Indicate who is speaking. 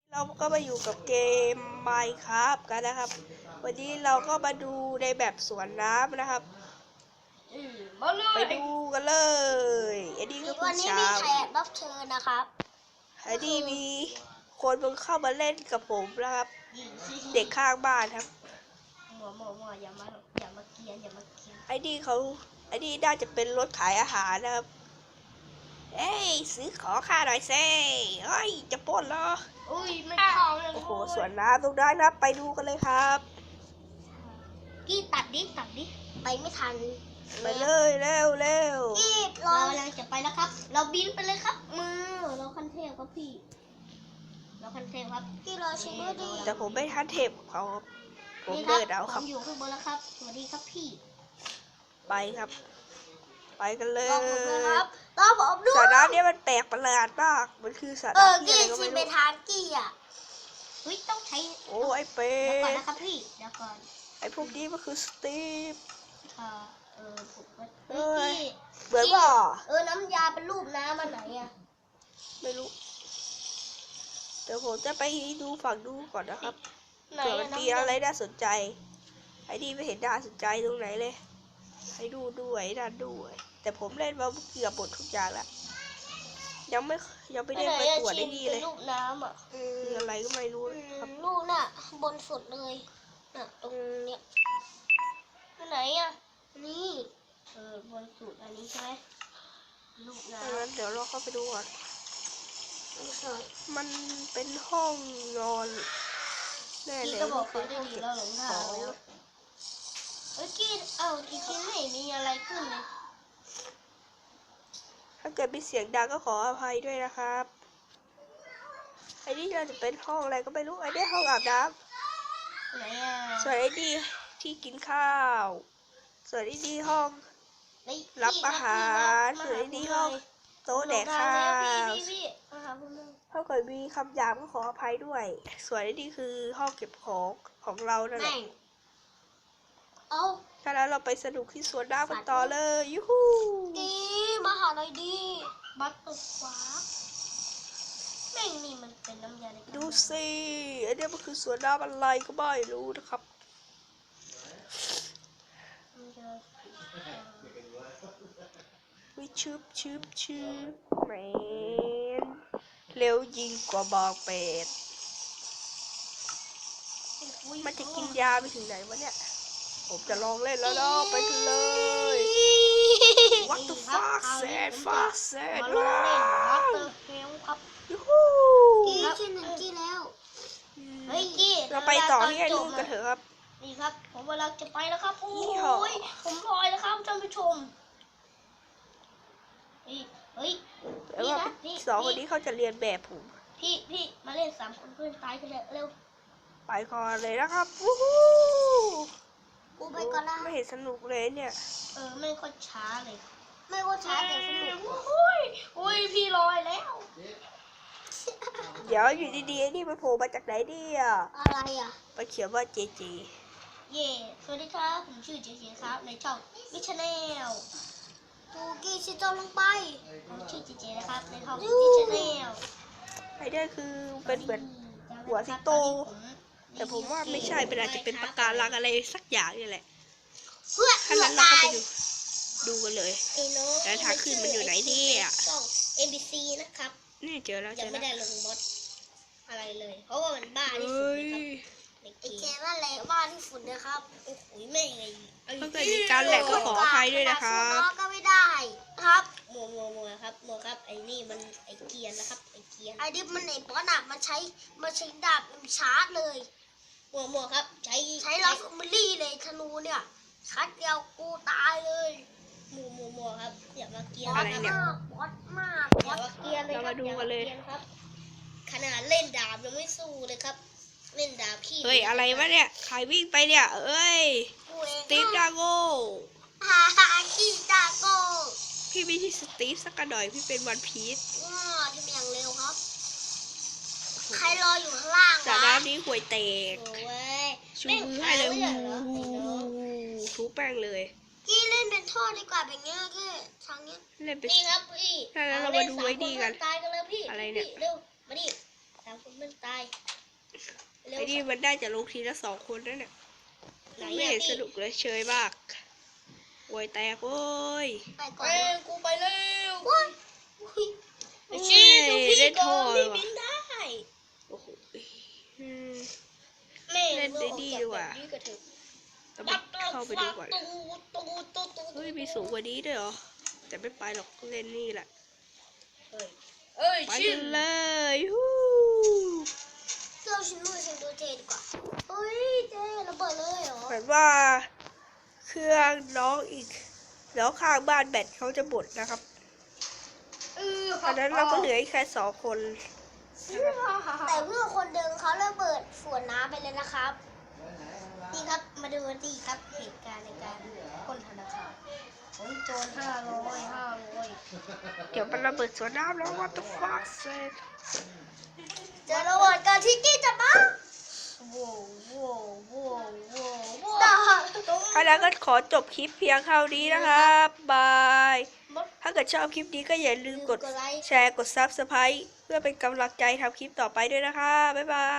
Speaker 1: เราก็มาอยู่กับเกม Minecraft กันนะครับ วันนี้เราก็มาดูในแบบสวนน้ำนะครับไปดูกันเลยอันนี้ก็คือเช้า
Speaker 2: วันนี้มีแขกรับเชิญนะครับ
Speaker 1: อันนี้มีคนเพิ่งเข้ามาเล่นกับผมนะครับ เด็กข้างบ้านครับ
Speaker 2: หมออย่ามาเกียน
Speaker 1: ไอ้นี่น่าจะเป็นรถขายอาหารนะครับเอ้ยซื้อของข้าหน่อยสิเฮ้ยจะปล้นเหรอ
Speaker 2: อุ้ยไม่เข้าเลย
Speaker 1: โอ้โหสวนน้ำตรงนั้นนะไปดูกันเลยครับ
Speaker 2: กี้ตัดดิไปไม่ทัน
Speaker 1: ไปเลยเร็ว
Speaker 2: กี้เราจะไปแล้วครับ เราบินไปเลยครับเราคันเทพครับพี่เราคันเทพครับกี้เราชิมดิ
Speaker 1: แต่ผมไม่ทันเทปเขาผมเดินเอาครับ
Speaker 2: ผมอยู่ข้างบนแล้วครับสวัสดีครับพี่
Speaker 1: ไปครับ ไปกันเลย
Speaker 2: รอผมด้วยครับรอผมด้วย
Speaker 1: สระน้ำนี้มันแปลกประหลาดมากมันคือสระน้ำที่อะไรก็ไม่รู้
Speaker 2: ไปทางกี้อ่ะต้องใช้
Speaker 1: โอ้ไอเป็ด
Speaker 2: เดี๋ยวก่อนนะครับพี่เดี๋ยวก่อน
Speaker 1: ไอพวกนี้มันคือสตีฟ
Speaker 2: ผม
Speaker 1: เหมือนว่า
Speaker 2: น้ำยาเป็นรูปน้ำมันไหนอ่ะ
Speaker 1: ไม่รู้เดี๋ยวผมจะไปดูฝั่งดูก่อนนะครับเผื่อมันมีอะไรน่าสนใจไอ้นี่ไม่เห็นน่าสนใจตรงไหนเลยให้ดูด้วยนั่นด้วยแต่ผมเล่นมาเกือบหมดทุกอย่างแล้วยังไม่ได้ไปตรวจได้ดีเลย
Speaker 2: รูปน้ำอ่ะ
Speaker 1: คืออะไรก็ไม่รู้ครับ
Speaker 2: รูปน่ะบนสุดเลยน่ะตรงเนี้ยไหนอ่ะนี่บนสุดอันนี้ใช่ไหมรูปน้
Speaker 1: ำเดี๋ยวเราเข้าไปดูก่อนมันเป็นห้องนอนแน่เลย
Speaker 2: ก็บอกเขาได้ดีแล้วหลงทางแล้วกี้จริงๆไม่มีอะไรขึ้นเลย
Speaker 1: ถ้าเกิดมีเสียงดังก็ขออภัยด้วยนะครับไอ้นี่เราจะเป็นห้องอะไรก็ไม่รู้ไอ้นี่ห้องอาบน้ำส่วนไอ้นี่ที่กินข้าวส่วนไอ้นี่ห้องรับอาหารส่วนไอ้นี่ห้องโต๊ะแดกข้าวถ้าเกิดมีคำหยาบก็ขออภัยด้วยส่วนไอ้นี่คือห้องเก็บของเรานั่นแหละถ้าแล้วเราไปสนุกที่สวนน้ำกันต่อเลยยูฮู
Speaker 2: ดีมาหาหน่อยดีบัตตุฟ้าแม่งนี่มันเป็นน้ำยา
Speaker 1: ดูสิอันนี้มันคือสวนน้ำอะไรก็ไม่รู้นะครับวิชืบแมนเร็วยิงกว่าบอกเป็ดมันจะกินยาไปถึงไหนวะเนี่ยผมจะลองเล่นแล้วเนาะไปกันเลย What the fuck แซด
Speaker 2: มาลองเล่นวัตเตอร์เฮลครับ
Speaker 1: ยูฮู
Speaker 2: กี้แล้วเฮ้ยกี้
Speaker 1: เราไปต่อที่ไอ้ลูกกันเถอะครับ
Speaker 2: นี่ครับผมเวลาจะไปแล้วครับโอ้ยผมลอยแล้วครับท่านผู้ชมเฮ้ย
Speaker 1: แล้วว่าสองคนนี้เขาจะเรียนแบบผม
Speaker 2: พี่มาเล่น3 คนเพื่อนตายกันเร็ว
Speaker 1: ไปก่อนเลยนะครับวู้ฮู้
Speaker 2: กูไปก่อนละ
Speaker 1: ไม่เห็นสนุกเลยเนี่ย
Speaker 2: ไม่ค่อยช้าเลยไม่ค่อยช้าแต่สนุกโอ้ยพี่ลอยแล้ว
Speaker 1: เดี๋ยวอยู่ดีๆนี่มันโผล่มาจากไหนเนี่ย
Speaker 2: อะไรอ่ะ
Speaker 1: ไปเขียนว่าเจเจ
Speaker 2: สวัสดีครับผมชื่อเจเจครับในช่องวิชแนลตูกี้ชิโจลงไปผมชื่อเจเจนะครับในช่องวิชแนล
Speaker 1: ไอ้เนี่ยคือเป็นเหมือนหัวสิงโตแต่ผมว่าไม่ใช่เป็นอาจจะเป็นปะการังอะไรสักอย่างนี่แหละถ้านั้นเราก็ไปดูกันเลยแล้วทางขึ้นมันอยู่ไหนเนี่ย
Speaker 2: ช่อง MBC นะครับ
Speaker 1: นี่เจอแล้ว
Speaker 2: ยังไม่ได้ลงมดอะไรเลยเพราะว่ามันบ้าที่สุดนะครับไอ้แกว่าแหละบ้าที่สุดนะครับโอ้โหแม่งไง
Speaker 1: ถ้าเกิดมีการแหลกก็ขออภัยด้วยนะครับ
Speaker 2: ก็ไม่ได้ครับมัวครับไอ้นี่มันไอ้เกียร์นะครับไอ้เกียร์ไอ้ดิบมันไอ้ป้อนหนักมาใช้ดาบชาร์จเลยมัวครับใช้ลาฟมิลี่เลยธนูเนี่ยชัดเดียวกูตายเลยมัวครับอย่ามาเกียร์
Speaker 1: อะไรเนี่ย
Speaker 2: บอสมากอย่ามาเกียร์เลย
Speaker 1: เรามาดูกันเลย
Speaker 2: ครับขนาดเล่นดาบยังไม่สู้เลยครับเล่นดาบขี้
Speaker 1: เฮ้ยอะไรวะเนี่ยใครวิ่งไปเนี่ยสตีฟดาโก้
Speaker 2: ขี้ดาโก้
Speaker 1: พี่ไม่ใช่สตีฟสักหน่อยพี่เป็นวันพีช
Speaker 2: ที่เป็นอย่างเร็วครับใครรออยู่ข้างล่าง
Speaker 1: จากน้ำนี้ห่วยแตกชูมือให้เลยทูแป้งเลย
Speaker 2: กี้เล่นเป็นท่อดีกว่าแบบนี้แค่ทางนี้
Speaker 1: เล่นเป็น
Speaker 2: นี่ครับพี่
Speaker 1: ถ้าเรามาดูไว้ดีกัน
Speaker 2: ตายกันเลยพี่
Speaker 1: อะไรเนี่ย
Speaker 2: เร็วมาดิ3 คนมันตายเร็ว
Speaker 1: ไอ้นี่มันได้จะลงทีละ2 คนนั่นแหละ
Speaker 2: ไหน
Speaker 1: ไม่
Speaker 2: อะ
Speaker 1: เห็นส
Speaker 2: พี่
Speaker 1: นุกเลยเชยมากโวยแตกโว้ย
Speaker 2: ไปก่อนกูไปเร็ว
Speaker 1: โอ้ย
Speaker 2: ไอ้ชี้ดูพี่
Speaker 1: เล่น
Speaker 2: ก่
Speaker 1: ท่
Speaker 2: อ
Speaker 1: อน
Speaker 2: พี่
Speaker 1: ว่ะ
Speaker 2: บินได้
Speaker 1: โอ้โหอืม
Speaker 2: แม่
Speaker 1: เล่นได้ดีดีกว่า
Speaker 2: นี้ก็เถอะ
Speaker 1: เราไปเข้าไปดูก่อน
Speaker 2: ตู
Speaker 1: เฮ้ยมีสูงกว่านี้ด้วยเหรอ แต่ไม่ไปหรอกเล่นนี่แหละ
Speaker 2: เอ้ย
Speaker 1: ไป
Speaker 2: ชิ
Speaker 1: กันเลยฮู้
Speaker 2: เราชิมมือชิมดูเทดีกว่าเฮ้ยเจ๊ระเบิดเลยเหรอ
Speaker 1: เหมือนว่าเครื่องน้องอีกแล้วข้างบ้านแบตเขาจะหมดนะครับตอนนั้นเราก็เหลืออีกแค่2 คนนะครับ
Speaker 2: แต่เมื่อคนเดิมเขาระเบิดสวนน้ำไปเลยนะครับนี่ครับมาดูดีครับเหตุการณ์ในการปล้นธนาคารโอ้ยโจร500
Speaker 1: เดี๋ยวมันระเบิดสวนน้ำแล้ว what the fuck
Speaker 2: เจอระเบิดกันที่กี้จะมาโว้โว้โว้โว้โว้
Speaker 1: ถ้าแล้วก็ขอจบคลิปเพียงเท่านี้นะครับบาย ถ้าเกิดชอบคลิปนี้ก็อย่าลืมกดแชร์กด Subscribe เพื่อเป็นกำลังใจทำคลิปต่อไปด้วยนะคะบ๊ายบาย